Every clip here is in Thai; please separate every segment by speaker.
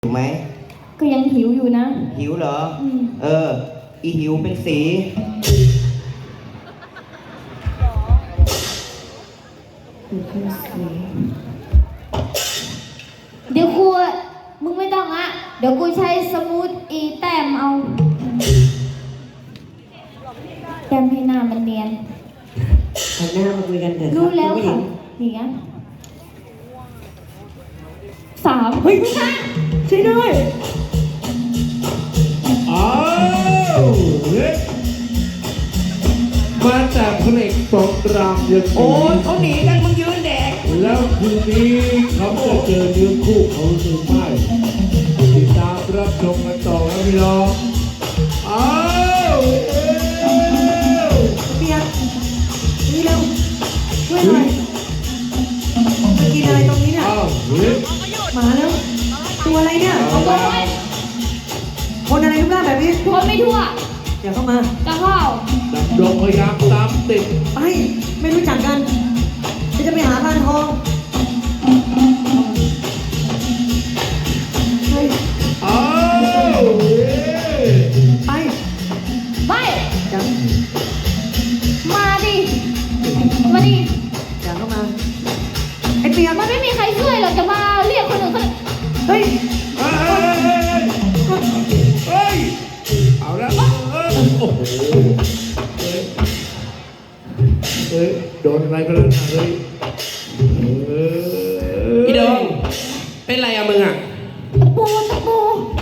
Speaker 1: หิวไหม
Speaker 2: ก็ยังหิวอยู่นะ
Speaker 1: หิวเหรออีหิวเป็นสี
Speaker 2: เดี๋ยวกูมึงไม่ต้องอะเดี๋ยวกูใช้สมูทอีแต้มเอาแต้มให้หน้ามันเนียน
Speaker 3: หันหน้ามาคุยกันเถอะ
Speaker 2: รู้แล้วค่ะนี่ไง3
Speaker 3: เฮ้ยใช่ด้วย
Speaker 4: อ้าวเฮ้ยมาจากเพลงสงกรานต์ยัง
Speaker 1: โอ้ยเขาหนีกันมึงยืนแดก
Speaker 4: แล้วคืนนี้เขาจะเจอเนื้อคู่เขาหรือไม่ติดตามรับชมกันต่อนะพี่น้องอ้าว
Speaker 3: เปียกนี่เร็วช่วยหน่อยมากินอะไรตรงนี้เนี่ย
Speaker 4: อ้าวเฮ้ย
Speaker 3: มาแล้วตัวอะไรเนี่ยคนอะไรรูปร่างแบบนี้
Speaker 2: คนไม่ทั่ว
Speaker 3: อย่าเข้ามา
Speaker 2: จะเข้า
Speaker 4: ดำดงพยายามตามติด
Speaker 3: ไปไม่รู้จักกันจะไปหาพานทองเฮ้ย
Speaker 4: อ้าว
Speaker 3: ไป
Speaker 2: ไม่
Speaker 3: จัง
Speaker 2: มาดิมาดิ
Speaker 3: อย่าเข้ามาไอ้เปียก
Speaker 2: มันไม่มีใครช่วยหรอกจะมาเรียกคนอื่นคน
Speaker 3: เฮ้ย
Speaker 4: เฮ้ยเอาละโอ้โหเฮ้ยโดนอะไรก็แล้วนะเฮ้ย
Speaker 1: พี่ดงเป็นไรอะมึงอะ
Speaker 2: ตะปู
Speaker 1: ตะปู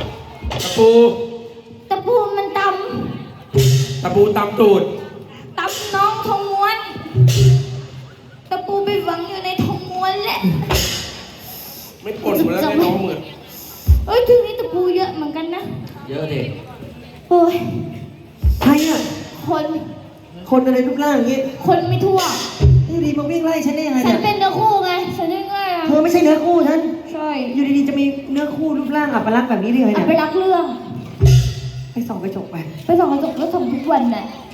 Speaker 2: มันต
Speaker 1: ำตูด
Speaker 2: น้องทองม้วนตะปูไปฝังอยู่ในทองม้วนแหละ
Speaker 1: ไม่ปวดหัวแล้วไม่น้องเหมือน
Speaker 2: ทีนี้ตะปูเยอะเหมือนกันนะ
Speaker 1: เยอะดิ
Speaker 2: โอ้ย
Speaker 3: ใครอ่ะคนอะไรรูปร่างอย่างงี้
Speaker 2: คนไม่ทั่ว
Speaker 3: นี่ดีมาวิ่งไล่ฉันได้ยังไง
Speaker 2: ฉั
Speaker 3: เนี่ย
Speaker 2: นเป็นเนื้อคู่ไงฉันยังไงอะ
Speaker 3: เธอไม่ใช่เนื้อคู่ฉัน
Speaker 2: ใช่
Speaker 3: อยู่ดีๆจะมีเนื้อคู่รูปร่างอัปลักษณ์แบบนี้ได้ไงเนี่ย
Speaker 2: ไปรักเรื่อง
Speaker 3: ไปส่องกระจกไป
Speaker 2: ส่องกระจกแล้วส่องทุกวันน่ะ